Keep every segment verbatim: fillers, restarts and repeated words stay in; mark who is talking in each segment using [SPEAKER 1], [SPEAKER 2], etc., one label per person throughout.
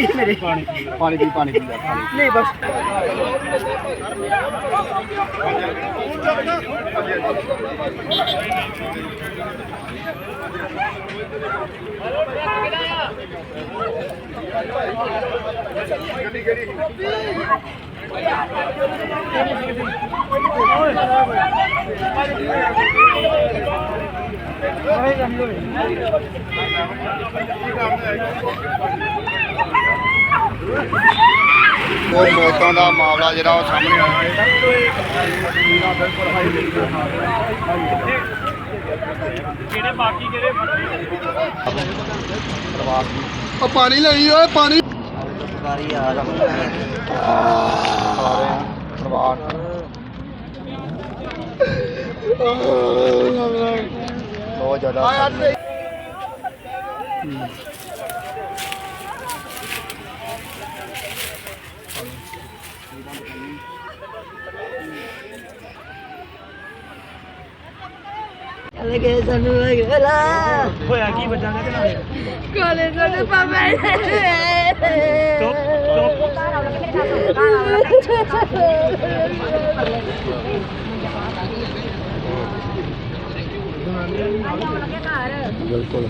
[SPEAKER 1] ਗੱਡੀ ਮੇਰੇ
[SPEAKER 2] पानी पानी पी पानी पी
[SPEAKER 1] नहीं बस
[SPEAKER 2] ਉਹ ਮੌਤਾਂ ਦਾ ਮਾਮਲਾ ਜਿਹੜਾ ਉਹ ਸਾਹਮਣੇ ਆਇਆ
[SPEAKER 3] ਕਿਹੜੇ ਬਾਕੀ ਕਿਹੜੇ
[SPEAKER 2] ਉਹ ਪਾਣੀ ਲਈ ਓਏ ਪਾਣੀ
[SPEAKER 1] गाड़ी आ रहा
[SPEAKER 2] ਸਾਰੇ ਪਰਿਵਾਰ ਬਹੁਤ ਜ਼ਿਆਦਾ
[SPEAKER 1] लगे सानू गला
[SPEAKER 3] ਹੋਇਆ ਕੀ ਬੱਚਾ ਦੇ ਨਾਲ
[SPEAKER 1] कोले कोले पापा
[SPEAKER 3] ਚੁੱਪ
[SPEAKER 2] ਬਿਲਕੁਲ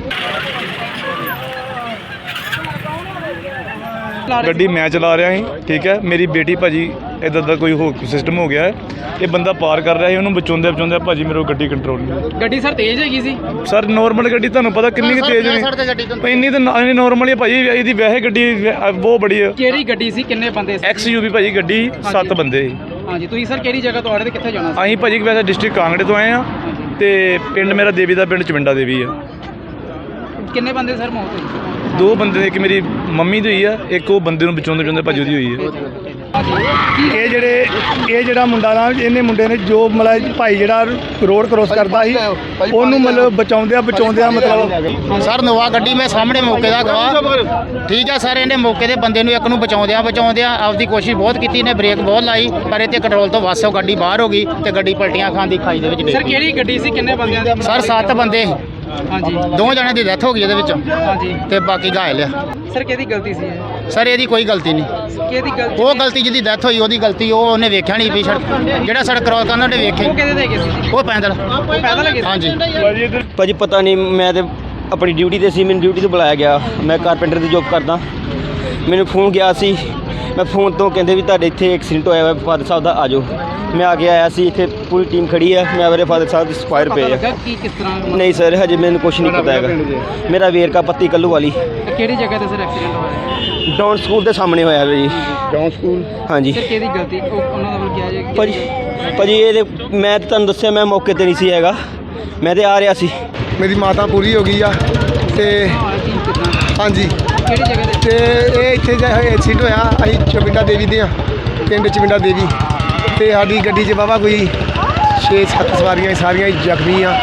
[SPEAKER 4] ਗੱਡੀ ਮੈਂ ਚਲਾ ਰਿਹਾ ਸੀ ਠੀਕ ਹੈ ਮੇਰੀ ਬੇਟੀ ਭਾਜੀ ਇੱਦਾਂ ਦਾ ਕੋਈ ਹੋ ਸਿਸਟਮ ਹੋ ਗਿਆ ਹੈ ਇਹ ਬੰਦਾ ਪਾਰ ਕਰ ਰਿਹਾ ਸੀ ਉਹਨੂੰ ਬਚਾਉਂਦੇ ਬਚਾਉਂਦੇ ਭਾਜੀ ਮੇਰੇ ਕੋਲ ਗੱਡੀ ਕੰਟਰੋਲ ਨਹੀਂ
[SPEAKER 3] ਗੱਡੀ ਸਰ ਤੇਜ਼ ਹੈਗੀ ਸੀ
[SPEAKER 4] ਸਰ ਨੋਰਮਲ ਗੱਡੀ ਤੁਹਾਨੂੰ ਪਤਾ ਕਿੰਨੀ ਕੁ ਤੇਜ਼ ਨਹੀਂ ਇੰਨੀ ਤਾਂ ਇੰਨੀ ਨੋਰਮਲ ਹੀ ਭਾਜੀ ਇਹਦੀ ਵੈਸੇ ਗੱਡੀ ਵੈ- ਬਹੁਤ ਬੜੀ ਹੈ
[SPEAKER 3] ਕਿਹੜੀ ਗੱਡੀ ਸੀ ਕਿੰਨੇ ਬੰਦੇ ਸੀ
[SPEAKER 4] ਐਕਸ ਯੂ ਵੀ ਭਾਜੀ ਗੱਡੀ ਸੱਤ ਬੰਦੇ ਸੀ
[SPEAKER 3] ਹਾਂਜੀ ਤੁਸੀਂ ਸਰ ਕਿਹੜੀ ਜਗ੍ਹਾ ਤੋਂ ਆ ਰਹੇ ਤੇ ਕਿੱਥੇ ਜਾਣਾ ਸੀ
[SPEAKER 4] ਅਸੀਂ ਭਾਜੀ ਵੈਸੇ ਡਿਸਟ੍ਰਿਕਟ ਕਾਂਗੜੇ ਤੋਂ ਆਏ ਆ ਤੇ ਪਿੰਡ ਮੇਰਾ ਦੇਵੀ ਦਾ ਪਿੰਡ ਚਵਿੰਡਾ ਦੇਵੀ ਆ
[SPEAKER 3] ਕਿੰਨੇ ਬੰਦੇ ਸਰ ਮੌਤ ਹੋਈ
[SPEAKER 4] ਦੋ ਬੰਦੇ ਨੇ, ਇੱਕ ਮੇਰੀ ਮੰਮੀ ਦੀ ਹੋਈ ਆ ਇੱਕ ਉਹ ਬੰਦੇ ਨੂੰ ਬਚਾਉਂਦੇ ਬਚਾਉਂਦੇ ਭਾਜੀ ਉਹਦੀ ਹੋਈ ਆ
[SPEAKER 5] ਇਹ ਜਿਹੜੇ ਇਹ ਜਿਹੜਾ ਮੁੰਡਾ ਨਾ ਇਹਨੇ ਮੁੰਡੇ ਨੇ ਜੋ ਮਤਲਬ ਭਾਈ ਜਿਹੜਾ ਰੋਡ ਕ੍ਰੋਸ ਕਰਦਾ ਸੀ ਉਹਨੂੰ ਮਤਲਬ ਬਚਾਉਂਦਿਆਂ ਬਚਾਉਂਦਿਆਂ ਮਤਲਬ
[SPEAKER 6] ਸਰ ਨੋਵਾ ਗੱਡੀ ਮੈਂ ਸਾਹਮਣੇ ਮੌਕੇ ਦਾ ਗਵਾਹ ਠੀਕ ਹੈ ਸਰ ਇਹਨੇ ਮੌਕੇ ਦੇ ਬੰਦੇ ਨੂੰ ਇੱਕ ਨੂੰ ਬਚਾਉਂਦਿਆਂ ਬਚਾਉਂਦਿਆਂ ਆਪਦੀ ਕੋਸ਼ਿਸ਼ ਬਹੁਤ ਕੀਤੀ ਨੇ ਬ੍ਰੇਕ ਬਹੁਤ ਲਾਈ ਪਰ ਇਹ ਤੇ ਕੰਟਰੋਲ ਤੋਂ ਵੱਸ ਉਹ ਗੱਡੀ ਬਾਹਰ ਹੋ ਗਈ ਤੇ ਗੱਡੀ ਪਲਟੀਆਂ ਖਾਣ ਦੀ ਖਾਈ ਦੇ ਵਿੱਚ
[SPEAKER 3] ਸਰ
[SPEAKER 6] ਡਿੱਗ
[SPEAKER 3] ਕਿਹੜੀ ਗੱਡੀ ਸੀ ਕਿੰਨੇ ਬੰਦਿਆਂ ਦੀ
[SPEAKER 6] ਗਈ ਸਰ ਸੱਤ ਬੰਦੇ ਸੀ।
[SPEAKER 3] ਹਾਂਜੀ
[SPEAKER 6] ਦੋ ਜਣਿਆਂ ਦੀ ਡੈਥ ਹੋ ਗਈ ਇਹਦੇ ਵਿੱਚ
[SPEAKER 3] ਹਾਂਜੀ
[SPEAKER 6] ਤੇ ਬਾਕੀ ਘਾਇਲ ਆ
[SPEAKER 3] ਸਰ ਕਿਹਦੀ ਗਲਤੀ ਸੀ ਇਹ
[SPEAKER 6] ਸਰ ਇਹਦੀ ਕੋਈ ਗਲਤੀ ਨਹੀਂ
[SPEAKER 3] ਕਿਹਦੀ ਗਲਤੀ
[SPEAKER 6] ਉਹ ਗਲਤੀ ਜਿਹਦੀ ਡੈਥ ਹੋਈ ਉਹਦੀ ਗਲਤੀ ਉਹ ਉਹਨੇ ਵੇਖਿਆ ਨਹੀਂ ਵੀ ਸੜਕ ਜਿਹੜਾ ਸੜਕ ਕ੍ਰੋਸ ਕਰਨਾ ਉਹਨੇ ਵੇਖਿਆ
[SPEAKER 3] ਉਹ
[SPEAKER 6] ਹੀ।
[SPEAKER 3] ਕਿਹਦੇ ਦੇ ਗਏ ਸੀ
[SPEAKER 6] ਉਹ ਪੈਦਲ
[SPEAKER 3] ਪੈਦਲ ਲੱਗੇ ਸੀ
[SPEAKER 6] ਹਾਂਜੀ
[SPEAKER 7] ਭਾਜੀ ਪਤਾ ਨਹੀਂ ਮੈਂ ਤੇ ਆਪਣੀ ਡਿਊਟੀ ਤੇ ਸੀ ਮੈਨੂੰ ਡਿਊਟੀ ਤੋਂ ਬੁਲਾਇਆ ਗਿਆ ਮੈਂ ਕਾਰਪੈਂਟਰ ਦੀ ਜੋਬ ਕਰਦਾ ਮੈਨੂੰ ਫੋਨ ਗਿਆ ਸੀ ਮੈਂ ਫੋਨ ਤੋਂ ਕਹਿੰਦੇ ਵੀ ਤੁਹਾਡੇ ਇੱਥੇ ਐਕਸੀਡੈਂਟ ਹੋਇਆ ਹੋਇਆ ਫਾਦਰ ਸਾਹਿਬ ਦਾ ਆ ਜਾਓ ਮੈਂ ਆ ਕੇ ਆਇਆ ਸੀ ਇੱਥੇ ਪੂਰੀ ਟੀਮ ਖੜੀ ਹੈ ਮੈਂ ਮੇਰੇ ਫਾਦਰ ਸਾਹਿਬ ਦੀ ਸਫਾਇਰ
[SPEAKER 3] ਪਤਾ
[SPEAKER 7] ਪਏ ਆ
[SPEAKER 3] ਲੱਗਾ ਕੀ ਕਿਸ ਤਰ੍ਹਾਂ
[SPEAKER 7] ਨਹੀਂ ਸਰ ਹਜੇ ਮੈਨੂੰ ਕੁਝ ਨਹੀਂ ਪਤਾ ਹੈਗਾ ਮੇਰਾ ਵੇਰਕਾ ਪੱਤੀ ਕੱਲੂ ਵਾਲੀ
[SPEAKER 3] ਕਿਹੜੀ ਜਗ੍ਹਾ ਤੇ ਸਰ ਐਕਸੀਡੈਂਟ ਹੋਇਆ
[SPEAKER 7] ਡਾਊਨ ਸਕੂਲ ਦੇ ਸਾਹਮਣੇ ਹੋਇਆ ਜੀ
[SPEAKER 2] ਡਾਊਨ ਸਕੂਲ
[SPEAKER 7] ਹਾਂਜੀ
[SPEAKER 3] ਸਰ ਕਿਹਦੀ ਗਲਤੀ ਉਹ ਉਹਨਾਂ ਦਾ ਵੱਲ ਕਿਹਾ ਜਾਏ
[SPEAKER 7] ਭਾਜੀ ਭਾਜੀ ਇਹਦੇ ਮੈਂ ਤਾਂ ਤੁਹਾਨੂੰ ਦੱਸਿਆ ਮੈਂ ਮੌਕੇ ਤੇ ਨਹੀਂ ਸੀ ਹੈਗਾ ਮੈਂ ਤੇ ਆ ਰਿਹਾ ਸੀ
[SPEAKER 5] ਮੇਰੀ ਮਾਤਾ ਪੂਰੀ ਹੋ ਗਈ ਆ ਤੇ ਹਾਂਜੀ
[SPEAKER 3] ਕਿਹੜੀ ਜਗ੍ਹਾ ਤੇ
[SPEAKER 5] ਤੇ ਇਹ ਇੱਥੇ ਜਿਹੜਾ ਐਕਸੀਡੈਂਟ ਹੋਇਆ ਅਸੀਂ ਚਵਿੰਡਾ ਦੇਵੀ ਦੇ ਆ ਪਿੰਡ ਚਵਿੰਡਾ ਦੇਵੀ ਤੇ ਸਾਡੀ ਗੱਡੀ 'ਚ ਬਾਬਾ ਕੋਈ ਛੇ ਸੱਤ ਸਵਾਰੀਆਂ ਸੀ, ਸਾਰੀਆਂ ਹੀ ਜ਼ਖਮੀ ਆ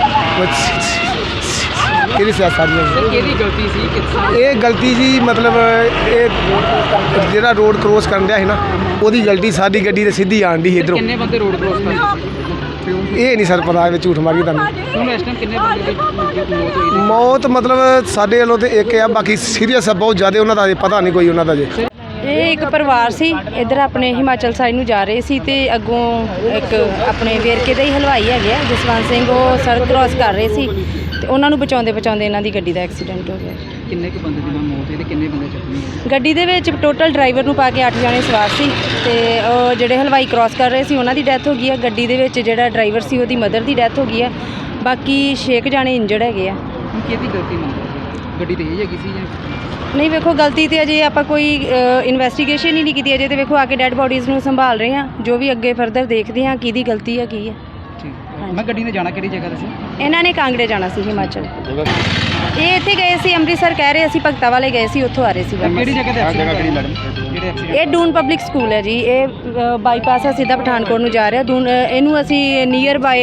[SPEAKER 5] ਕਿਹੜੀ ਸਿਆ ਸਾਰੀਆਂ
[SPEAKER 3] ਸਰ ਕਿਹਦੀ ਗਲਤੀ ਸੀ ਕਿਸ
[SPEAKER 5] ਇਹ ਗਲਤੀ ਜੀ ਮਤਲਬ ਇਹ ਜਿਹੜਾ ਰੋਡ ਕ੍ਰੋਸ ਕਰਨ ਡਿਆ ਸੀ ਨਾ ਉਹਦੀ ਗਲਤੀ ਸਾਡੀ ਗੱਡੀ ਤੇ ਸਿੱਧੀ ਆਣ ਦੀ ਇਧਰੋਂ
[SPEAKER 3] ਕਿੰਨੇ ਬੰਦੇ ਰੋਡ ਕ੍ਰੋਸ ਕਰਦੇ
[SPEAKER 5] ਇਹ ਨਹੀਂ ਸਰ ਪਤਾ ਐਵੇਂ ਝੂਠ ਮਾਰੀ ਤੁਹਾਨੂੰ
[SPEAKER 3] ਹੁਣ ਇਸ ਟਾਈਮ ਕਿੰਨੇ ਬੰਦੇ ਦੀ ਮੌਤ ਹੋਈ
[SPEAKER 5] ਮੌਤ ਮਤਲਬ ਸਾਡੇ ਵੱਲੋਂ ਤੇ ਇੱਕ ਆ ਬਾਕੀ ਸੀਰੀਅਸ ਆ ਬਹੁਤ ਜ਼ਿਆਦਾ ਉਹਨਾਂ ਦਾ ਅਜੇ ਪਤਾ ਨਹੀਂ ਕੋਈ ਉਹਨਾਂ ਦਾ ਜੇ
[SPEAKER 8] ਇਹ ਇੱਕ ਪਰਿਵਾਰ ਸੀ ਇੱਧਰ ਆਪਣੇ ਹਿਮਾਚਲ ਸਾਈਡ ਨੂੰ ਜਾ ਰਹੇ ਸੀ ਤੇ ਅੱਗੋਂ ਇੱਕ ਆਪਣੇ ਵੇਰਕੇ ਦਾ ਹੀ ਹਲਵਾਈ ਹੈਗੇ ਆ ਜਸਵੰਤ ਸਿੰਘ ਉਹ ਸੜਕ ਕ੍ਰਾਸ ਕਰ ਰਹੇ ਸੀ ਤੇ ਉਹਨਾਂ ਨੂੰ ਬਚਾਉਂਦੇ ਬਚਾਉਂਦੇ ਇਹਨਾਂ ਦੀ ਗੱਡੀ ਦਾ ਐਕਸੀਡੈਂਟ ਹੋ ਗਿਆ
[SPEAKER 3] ਕਿੰਨੇ ਕੁ ਬੰਦੇ ਦੀ ਮੌਤ ਹੋਈ ਤੇ ਕਿੰਨੇ ਬੰਦੇ ਜ਼ਖਮੀ
[SPEAKER 8] ਗੱਡੀ ਦੇ ਵਿੱਚ ਟੋਟਲ ਡਰਾਈਵਰ ਨੂੰ ਪਾ ਕੇ ਅੱਠ ਜਣੇ ਸਵਾਰ ਸੀ ਤੇ ਉਹ ਜਿਹੜੇ ਹਲਵਾਈ ਕ੍ਰਾਸ ਕਰ ਰਹੇ ਸੀ ਉਹਨਾਂ ਦੀ ਡੈਥ ਹੋ ਗਈ ਹੈ ਗੱਡੀ ਦੇ ਵਿੱਚ ਜਿਹੜਾ ਡਰਾਈਵਰ ਸੀ ਉਹਦੀ ਮਦਰ ਦੀ ਡੈਥ ਹੋ ਗਈ ਹੈ ਬਾਕੀ ਛੇ ਕੁ ਜਣੇ ਇੰਜਰਡ ਹੈਗੇ ਆ
[SPEAKER 3] ਹੁਣ ਕਿਹਦੀ ਗਲਤੀ ਮੰਨਦੇ ਗੱਡੀ ਤੇਜ਼ ਹੈਗੀ ਸੀ ਜਾਂ
[SPEAKER 8] ਨਹੀਂ ਵੇਖੋ ਗਲਤੀ ਤੇ ਅਜੇ ਆਪਾਂ ਕੋਈ ਇਨਵੈਸਟੀਗੇਸ਼ਨ ਹੀ ਨਹੀਂ ਕੀਤੀ ਅਜੇ ਤੇ ਵੇਖੋ ਆ ਕੇ ਡੈੱਡ ਬੋਡੀਜ਼ ਨੂੰ ਸੰਭਾਲ ਰਹੇ ਹਾਂ ਜੋ ਵੀ ਅੱਗੇ ਫਰਦਰ ਦੇਖਦੇ ਹਾਂ ਕਿਹਦੀ ਗਲਤੀ ਹੈ ਕੀ ਹੈ
[SPEAKER 3] ਠੀਕ ਮੈਂ ਗੱਡੀ ਨੇ ਜਾਣਾ ਕਿਹੜੀ ਜਗ੍ਹਾ ਤੇ ਸੀ
[SPEAKER 8] ਇਹਨਾਂ ਨੇ ਕਾਂਗੜੇ ਜਾਣਾ ਸੀ ਹਿਮਾਚਲ ਇਹ ਇੱਥੇ ਗਏ ਸੀ ਅੰਮ੍ਰਿਤਸਰ ਕਹਿ ਰਹੇ ਅਸੀਂ ਭਗਤਾ ਵਾਲੇ ਗਏ ਸੀ ਉੱਥੋਂ ਆ ਰਹੇ ਸੀ ਬਸ।
[SPEAKER 3] ਕਿਹੜੀ ਜਗ੍ਹਾ ਤੇ ਐਕਸੀਡੈਂਟ ਹੋਇਆ ਜਿਹੜੇ ਐਕਸੀਡੈਂਟ
[SPEAKER 8] ਇਹ ਡੂਨ ਪਬਲਿਕ ਸਕੂਲ ਹੈ ਜੀ ਇਹ ਬਾਈਪਾਸ ਆ ਸਿੱਧਾ ਪਠਾਨਕੋਟ ਨੂੰ ਜਾ ਰਿਹਾ ਦੂਨ ਇਹਨੂੰ ਅਸੀਂ ਨੀਅਰ ਬਾਏ